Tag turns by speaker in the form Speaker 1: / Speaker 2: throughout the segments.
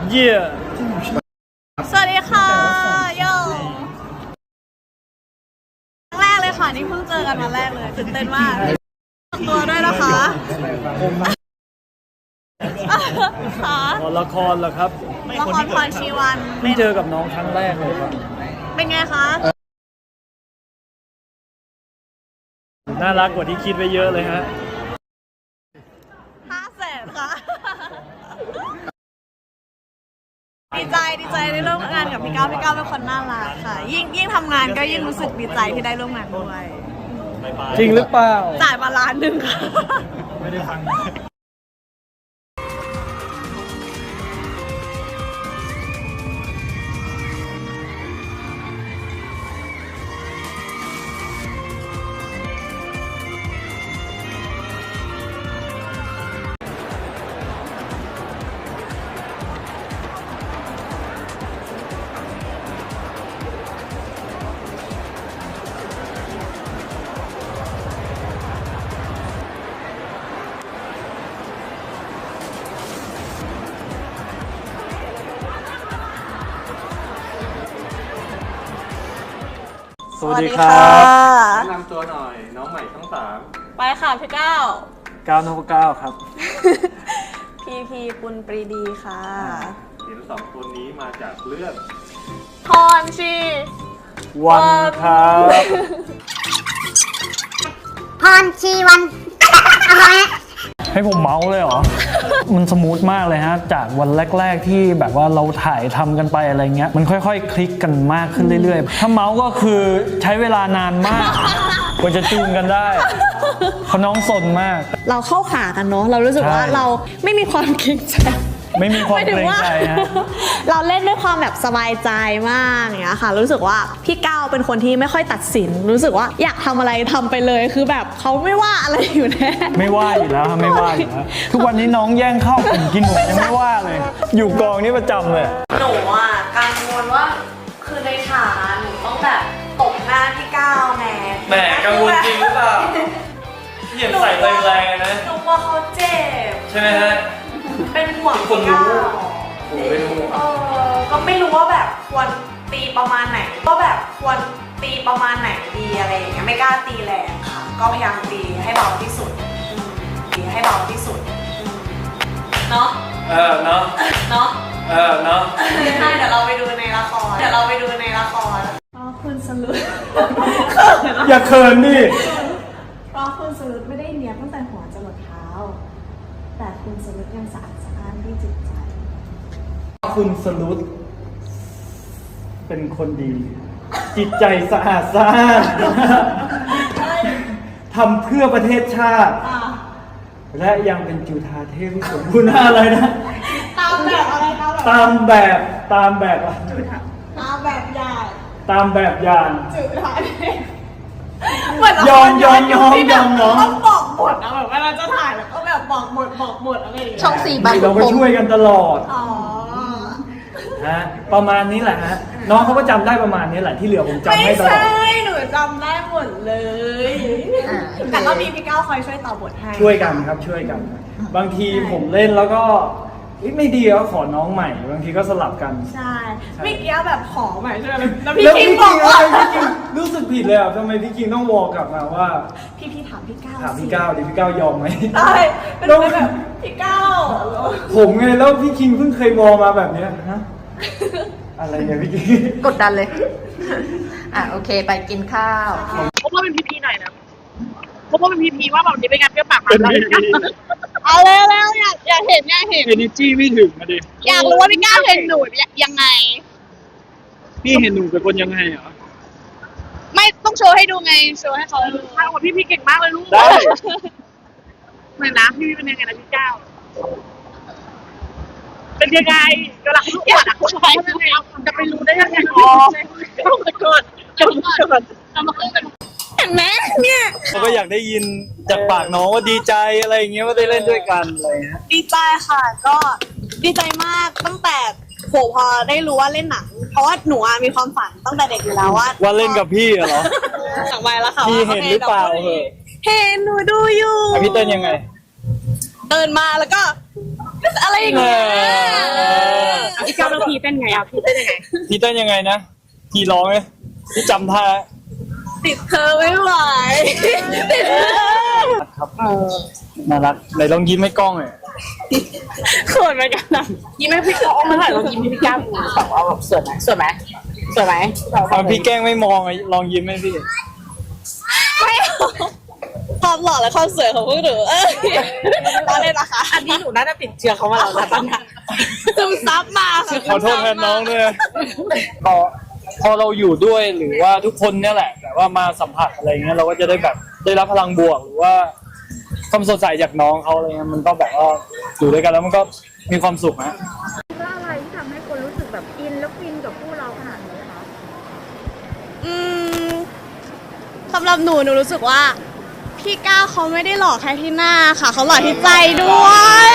Speaker 1: เยี่ย
Speaker 2: สวัสดีค่ะโยครั้งแรกเลยค่ะนี่เพิ่งเจอกันวันแรกเลยตื่นเต้นมากตัวด้วยนะคะค่ะ
Speaker 1: ละครเหรอครับ
Speaker 2: ละครพรชีวัน
Speaker 1: เพิ่งเจอกับน้องครั้งแรกเลยครับ
Speaker 2: เป็นไงคะ
Speaker 1: น่ารักกว่าที่คิดไว้เยอะเลยฮะ
Speaker 2: 500,000ค่ะดีใจได้ร่วมงานกับพี่ก้าวเป็นคนน่ารักค่ะยิ่งทำงานก็ยิ่งรู้สึกดีใจที่ได้ร่วมงานด้วย
Speaker 1: จริงหรือเปล่า
Speaker 2: จ่ายมา1,000,000ค่ะ
Speaker 1: ไม่ได้ฟังสวัสดีครับ
Speaker 3: แนะนำตัวหน่อยน้องใหม่ทั้ง3
Speaker 2: ไปค่ะพี่ก้าว
Speaker 1: 9 ครับ
Speaker 2: พีปุณปรีดีค่ะ
Speaker 3: ทีม2คนนี้มาจากเรื่อง
Speaker 2: พรชี
Speaker 1: วันครับ
Speaker 4: พรชีวันอะไร
Speaker 1: ให้ผมเมาส์เลยเหรอ มันสมูทมากเลยฮะจากวันแรกๆที่แบบว่าเราถ่ายทำกันไปอะไรเงี้ยมันค่อยๆคลิกกันมากขึ้นเรื่อยๆถ้าเมาส์ก็คือใช้เวลานานมากกว่าจะจูนกันได้เพราะน้องสนมาก
Speaker 2: เราเข้าขากันเนาะเรารู้สึกว่าเราไม่มีความเกรงใจ
Speaker 1: ไม่มีความเกรงใจฮะ
Speaker 2: เราเล่นด้วยความแบบสบายใจมากอย่างเงี้ยค่ะรู้สึกว่าพี่ก้าวเป็นคนที่ไม่ค่อยตัดสินรู้สึกว่าอยากทำอะไรทำไปเลยคือแบบเขาไม่ว่าอะไรอยู่แน่
Speaker 1: ไม่ว่าอยู่แล้วไม่ว่าอยู่แล้วทุกวันนี้น้องแย่งข้าวผมกินผมยังไม่ว่าเลยอยู่กองนี้ประจำเลย
Speaker 2: หนูอ่ะกังวลว่าคือในฉากหนูต้องแบบตบหน้าพี่ก้าวแ
Speaker 1: หมกังวลจริงหรือเปล่าพี่เห็นใส่แรงๆนะ
Speaker 2: หนูว่าเขาเจ็บ
Speaker 1: ใช่ไหมฮะ
Speaker 2: เป็นห่วงพี่ก้าวก็ไม่รู้ว่าแบบควรตีประมาณไหนดีอะไรอย่างเงี้ยไม่กล้าตีแรงค่ะก็พยายามตีให้เบาที่สุดเนาะ
Speaker 1: เนาะ
Speaker 2: เนาะ
Speaker 1: ใช่
Speaker 2: เดี๋ยวเราไปดูในละครอ๋อคุณสลุด
Speaker 1: อย่าเขินดิ
Speaker 2: เพราะคุณสลุดไม่ได้เนียบตั้งแต่หัวจรดเท้าแต่คุณสลุดยังสะอาดสะอ้านที่จิตใจ
Speaker 1: คุณสลุดเป็นคนดีจิตใจสะอาดสะอ้านทำเพื่อประเทศชาติและยังเป็นจุฑาเทพที่สมบูรณ์อะไรนะ
Speaker 2: ตามแบบอะไร
Speaker 1: ตามแบบ
Speaker 2: ตามแบบอย่าง
Speaker 1: จุฑาเทพยอมเนาะ
Speaker 2: ต้องบอกบทนะแบบเวลาจะถ่ายแล้วก็แบบบอกบทอะไรอย่างเงี้ยช่อง4บัง
Speaker 1: เราไปช่วยกันตลอดฮะประมาณนี้แหละฮะน้องเขาก็จำได้ประมาณนี้แหละที่เหลือผมจำให้ตลอด
Speaker 2: ไม่ใช่หนูจำได้หมดเลยแต่ก็มีพี่ก้าวคอยช่วยต่อบทให้
Speaker 1: ช่วยกันครับช่วยกันบางทีผมเล่นแล้วก็ไม่ดีก็ขอน้องใหม่บางทีก็สลับกัน
Speaker 2: ใช่ไม่เกี้ยวแบบขอใหม่ใช่ไหมแล้วพี่คิงบอกว่า
Speaker 1: พี่คิงรู้สึกผิดเลยอ่ะทำไมพี่คิงต้องวอลกลับมาว่า
Speaker 2: พี่ถามพี่ก้าว
Speaker 1: ดิพี่ก้าวยอมไหม
Speaker 2: ใช่เป็นแบบพี่ก้าว
Speaker 1: ผมไงแล้วพี่คิงเพิ่งเคยวอลมาแบบนี้ฮะอะไรเนี่ยพี่คิง
Speaker 4: กดดันเลยโอเคไปกินข้าว
Speaker 5: เพราะว่าเป็นพีหน่อยนะเพราะว่าเป็นพีว่าแบบนี้เป็นการเปรี้ยวปากมันเอาเร็วอยากเห็น
Speaker 1: energy ไม่ถึงมาดิ
Speaker 5: อยากรู้ว่าพี่ก้าวเห็นหนูยังไง
Speaker 1: พี่เห็นหนูเป็นคนยังไงเหรอ
Speaker 5: ไม่ต้องโชว์ให้ดูไงโชว์ให้เขาดูพี่เก่งมากเลยลูก
Speaker 1: ได้
Speaker 5: เหมือนนะพี่เป็นยังไงนะพี่ก้าวเป็นยังไงกำลังลูกอยากจะไปรู้ได้ยังไงจำมาขึ้นกัน
Speaker 2: เห็นไหมเนี่ย
Speaker 1: เขาก็อยากได้ยินจากปากน้องว่าดีใจอะไรอย่างเงี้ยว่าได้เล่นด้วยกันอะไรเงี้ย
Speaker 2: ดีใจค่ะก็ดีใจมากตั้งแต่พอได้รู้ว่าเล่นหนังเพราะว่าหนูมีความฝันตั้งแต่เด็กอยู่แล้วว่า
Speaker 1: เล่นกับพี่เหรอ
Speaker 2: สั่งไปแล้วค่ะ
Speaker 1: พี่เห็นหรือเปล่า
Speaker 2: เห็นหนูดูอยู่
Speaker 1: พี่เต้นยังไง
Speaker 2: เดินมาแล้วก็อะไรอย่างเงี้ย
Speaker 5: พี่เต้นไงอ่ะพี่เต้นยังไง
Speaker 1: พี่เต้นยังไงนะพี่ร้องไหมพี่จำท่า
Speaker 2: ติดเธอไม่ไหวติดเธอ
Speaker 1: ครับน่ารักไหนลองยิ้มให้กล้องหน่อย
Speaker 5: เขินเหมือนกันนะยิ้มให้พี่ก้าวมาถ่ายเรายิ้มให้พี่ก้าวแบบว่าแบบสวยไหมสวยไหมสวยไหม
Speaker 1: พี่แกล้งไม่มองลองยิ้มให้พี่
Speaker 2: ไม่ความหล่อและความสวยของพวกหนูตอนเล่นนะคะ
Speaker 5: อันนี้หนูน่าจะติดเชื้อเขามาแล้วนะตอนนี้
Speaker 2: ซึมซับมาค่ะ
Speaker 1: ขอโทษแทนน้องด้วยพอเราอยู่ด้วยหรือว่าทุกคนเนี่ยแหละแต่ว่ามาสัมผัสอะไรเงี้ยเราก็จะได้แบบได้รับพลังบวกหรือว่าความสดใสจากน้องเขาอะไรเงี้ยมันก็แบบว่าอยู่ด้วยกันแล้วมันก็มีความสุขนะ
Speaker 6: ว่าอะไรที่ทำให้คนรู้สึกแบบอินแล้วฟินกับคู่เราขนาดนี้คะ
Speaker 2: สำหรับหนูรู้สึกว่าพี่ก้าวเขาไม่ได้หล่อแค่ที่หน้าค่ะเขาหล่อที่ใจด้วย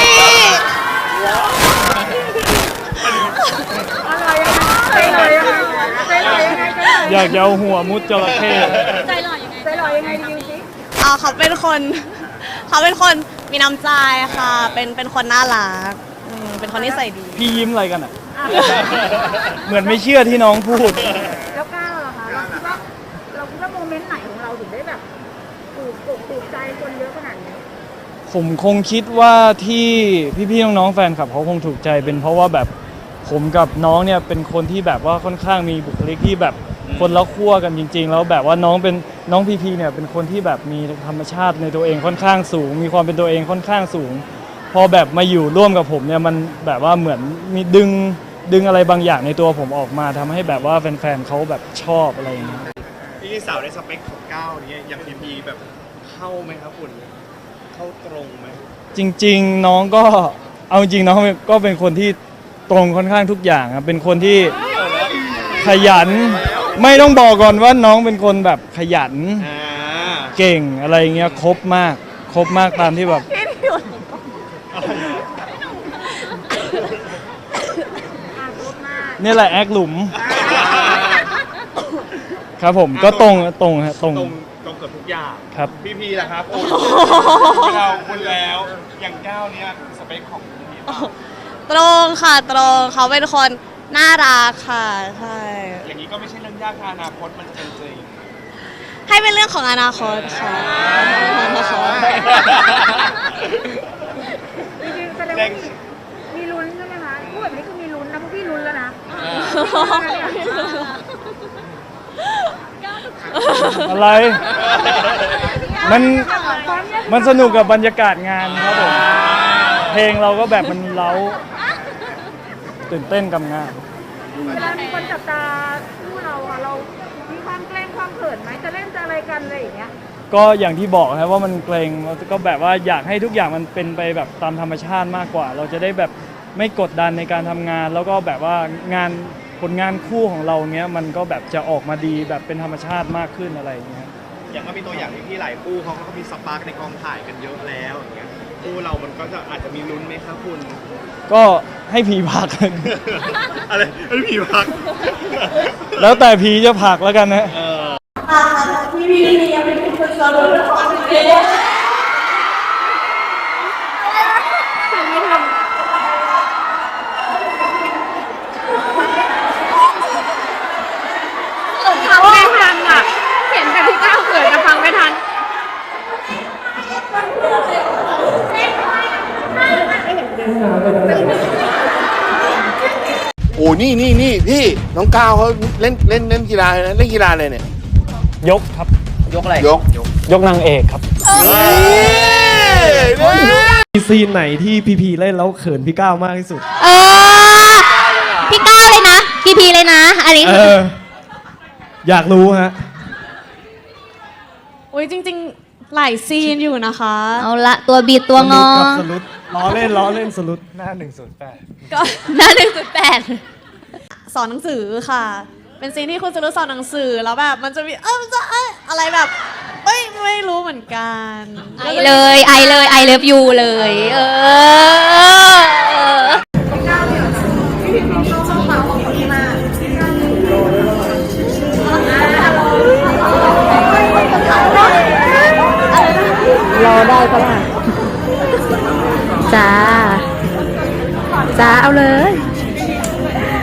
Speaker 6: ใจลอยยังไงใจลอยยังไง
Speaker 1: อยากจะเอาหัวมุดจระเข้
Speaker 6: ใจลอยยังไงใจลอยยังไงดีสิ
Speaker 2: เขาเป็นคนมีน้ำใจค่ะ เป็นคนน่ารักเป็นคนนิสัยดี
Speaker 1: พี่ยิ้มอะไรกันอ่ะ เหมือนไม่เชื่อที่น้องพูด
Speaker 6: แล้วก้าวล่ะคะเราคิดว่าโมเมนต์ไหนของเราถึงได้แบบถูกใจคนเยอะขนาดนี้
Speaker 1: ผมคงคิดว่าที่พี่ๆน้องๆแฟนคลับเขาคงถูกใจเป็นเพราะว่าแบบผมกับน้องเนี่ยเป็นคนที่แบบว่าค่อนข้างมีบุคลิกที่แบบคนละขั้วกันจริง ๆ แล้วแบบว่าน้องพีเนี่ยเป็นคนที่แบบมีธรรมชาติในตัวเองค่อนข้างสูง มีความเป็นตัวเองค่อนข้างสูง พอแบบมาอยู่ร่วมกับผมเนี่ยมันแบบว่าเหมือนมีดึงอะไรบางอย่างในตัวผมออกมาทำให้แบบว่าแฟนๆเขาแบบชอบอะไรอย่างเงี้ย
Speaker 3: พี่สาวในสเปคของก้าวเนี่ยอย่างพีแบบเข้าไหมครับคุณเข้าตรงไหม
Speaker 1: จริงๆน้องก็เอาจริงน้องก็เป็นคนที่ตรงค่อนข้างทุกอย่างครับเป็นคนที่ขยันไม่ต้องบอกก่อนว่าน้องเป็นคนแบบขยันเก่งอะไรเงี้ยครบมากตามที่แบบนี่แหละแอคหลุมครับผมก็ตรงฮะตรง
Speaker 3: ตรงเกือบทุกอย่าง
Speaker 1: ครับ
Speaker 3: พีล่ะครับโอ้เราคุณแล้วอย่างก้าวเนี่ยสเปคของพี
Speaker 2: ตรงค่ะตรงเขาเป็นคนน่ารักค่ะใช่
Speaker 3: อย่างนี้ก็ไม่ใช่เรื่องยากค่ะอนาคตมันเป็นจริง
Speaker 2: ให้เป็นเรื่องของอนาคตค่ะอนาคต
Speaker 6: จริงๆแสดงว่ามีลุ้นใช่ไหมคะพูดแบบนี้คือมีลุ้นนะพวกพี่ลุ้นแล้วนะ
Speaker 1: อะไรมันสนุกกับบรรยากาศงานครับผมเพลงเราก็แบบมันเล้าตื่นเต้นกับงาน
Speaker 6: เวลามีคนจับตาคู่เราอะเรามีความเกรงความเขินไหมจะเล่นจะอะไรกันอะไรอย่างเงี้ย
Speaker 1: ก็อย่างที่บอกครับว่ามันเกรงก็แบบว่าอยากให้ทุกอย่างมันเป็นไปแบบตามธรรมชาติมากกว่า เราจะได้แบบไม่กดดันในการทำงาน แล้วก็แบบว่ผลงานคู่ของเราเนี้ยมันก็แบบจะออกมาดีแบบเป็นธรรมชาติมากขึ้นอะไรอย่างเงี้ย
Speaker 3: อย่างก็มีตัวอย่างที่หลายคู่เขาก็มีสปาร์กในกองถ่ายกันเยอะแล้วอย่างเงี้ยคู่เรามันก็จะอาจจะมีลุ้นไหมครับคุณ
Speaker 1: ก็ให้ผีผลัก
Speaker 3: อะไรไม่ผีพัก
Speaker 1: แล้วแต่ผีจะผลักแล้วกันนะ
Speaker 5: ฟังไม่ทันอ่ะเห็นแต่พี่ก้าวเขินแต่ฟังไม่ทัน
Speaker 7: โอ้นี่พี่น้องก้าวเขาเล่นกีฬาเลยนะเล่นกีฬาอะไรเนี่ย
Speaker 1: ยกครับ
Speaker 7: ยก
Speaker 1: ยกนางเอกครับ
Speaker 8: มีซีนไหนที่พีเล่นแล้วเขินพี่ก้าวมากที่สุด
Speaker 9: พี่ก้าวเลยนะพีเลยนะ อันนี้
Speaker 8: อยากรู้ฮะ
Speaker 2: อุ้ยจริงๆหลายซีนอยู่นะคะ
Speaker 9: เอาละตัวบีดตัวงอ
Speaker 8: กับสลุดล้อเล่นสลุดหน้า108
Speaker 2: ก็
Speaker 9: หน้า1.8
Speaker 2: สอนหนังสือค่ะ เป็นซีนที่คุณจะรู้สอนหนังสือแล้วแบบมันจะมีมันจะอะไรแบบไม่รู้เหมือนกัน
Speaker 9: ไอเลยไอเลิฟยูเลย
Speaker 2: รอได้ปะล่ะ
Speaker 9: จ้า เอาเลย
Speaker 2: เ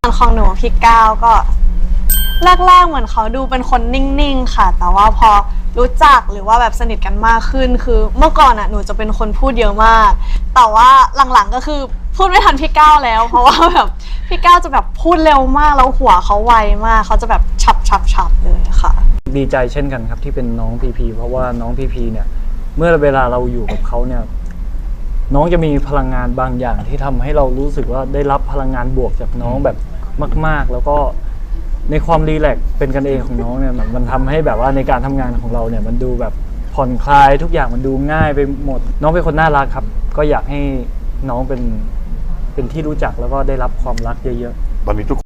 Speaker 2: ของหนูพี่ก้าวก็แรกๆเหมือนเขาดูเป็นคนนิ่งๆค่ะแต่ว่าพอรู้จักหรือว่าแบบสนิทกันมากขึ้นคือเมื่อก่อนหนูจะเป็นคนพูดเยอะมากแต่ว่าหลังๆก็คือพูดไม่ทันพี่ก้าวแล้วเพราะว่าแบบพี่ก้าวจะแบบพูดเร็วมากแล้วหัวเขาไวมากเขาจะแบบฉับเลยค่ะ
Speaker 1: ดีใจเช่นกันครับที่เป็นน้องพีพีเพราะว่าน้องพีพีเนี่ยเมื่อเวลาเราอยู่กับเขาเนี่ยน้องจะมีพลังงานบางอย่างที่ทำให้เรารู้สึกว่าได้รับพลังงานบวกจากน้องแบบมากๆแล้วก็ในความรีแลกซ์เป็นกันเองของน้องเนี่ยมันทำให้แบบว่าในการทำงานของเราเนี่ยมันดูแบบผ่อนคลายทุกอย่างมันดูง่ายไปหมดน้องเป็นคนน่ารักครับก็อยากให้น้องเป็นที่รู้จักแล้วก็ได้รับความรักเยอะๆ
Speaker 7: ตอนนี้ทุก